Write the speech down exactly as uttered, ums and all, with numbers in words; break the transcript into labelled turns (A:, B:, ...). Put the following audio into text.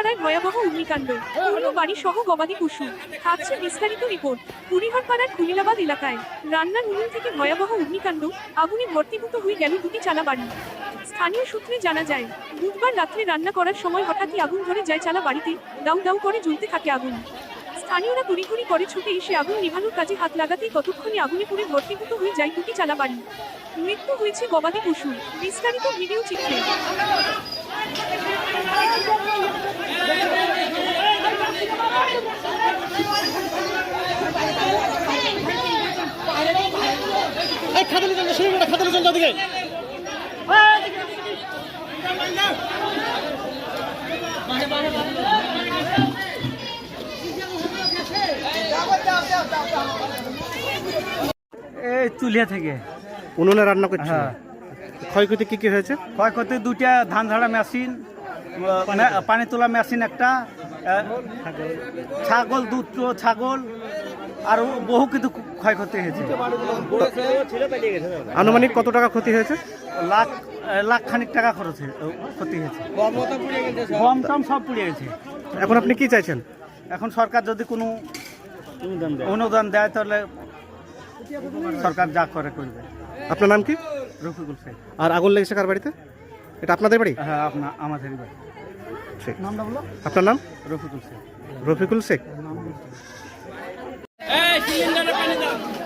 A: এলাকায় ভয়াবহ অগ্নিকাণ্ড, পুরো বাড়ি সহ গবাদি পশু। থাকছে বিস্তারিত রিপোর্ট। কুড়িঘরপাড়ার খুলিলাবাদ এলাকায় রান্নার উনুন থেকে ভয়াবহ অগ্নিকাণ্ড, আগুনে ভর্তিভূত হয়ে গেল দুটি চালা বাড়ি। স্থানীয় সূত্রে জানা যায়, বুধবার রাত্রে রান্না করার সময় হঠাৎই আগুন ধরে যায় চালা বাড়িতে। দাউ দাউ করে জ্বলতে থাকে আগুন। স্থানীয়রা তড়িঘড়ি করে ছুটে এসে আগুন নিভানোর কাজে হাত লাগাতেই ততক্ষণে আগুনে পুড়ে ভর্তিভূত হয়ে যায় দুটি চালা বাড়ি। মৃত্যু হয়েছে গবাদি পশু। বিস্তারিত ভিডিও চিত্রে।
B: খাতালে চল শুরু করে খাতালে চল দিকে
C: এই চুলিয়া থেকে
B: উনুনে রান্না করছে।
C: হ্যাঁ।
B: ক্ষয়ক্ষতি কি কি হয়েছে?
C: ক্ষয়ক্ষতি দুইটা ধান ঝাড়া মেশিন, পানি তোলা মেশিন একটা, ছাগল দুধ ছাগল আর বহু কিছু ক্ষয়ক্ষতি হয়েছে।
B: আনুমানিক কত টাকা ক্ষতি হয়েছে?
C: লাখ লাখ খানিক টাকা খরচ হয়ে- ক্ষতি হয়েছে। গম টম সব পুড়ে গেছে।
B: এখন আপনি কি চাইছেন?
C: এখন সরকার যদি কোনো অনুদান দেয় তাহলে সরকার যা করে করবে।
B: আপনার নাম কি?
C: রফিকুল শেখ।
B: আর আগুন লেগেছে কার বাড়িতে? এটা আপনাদের বাড়ি?
C: হ্যাঁ, আপনার আমাদেরই বাড়ি।
B: ঠিক।
C: নামটা বলো।
B: আপনার নাম?
C: রফিকুল শেখ।
B: রফিকুল শেখ।
D: এই সিলিন্ডারে পানি দাও।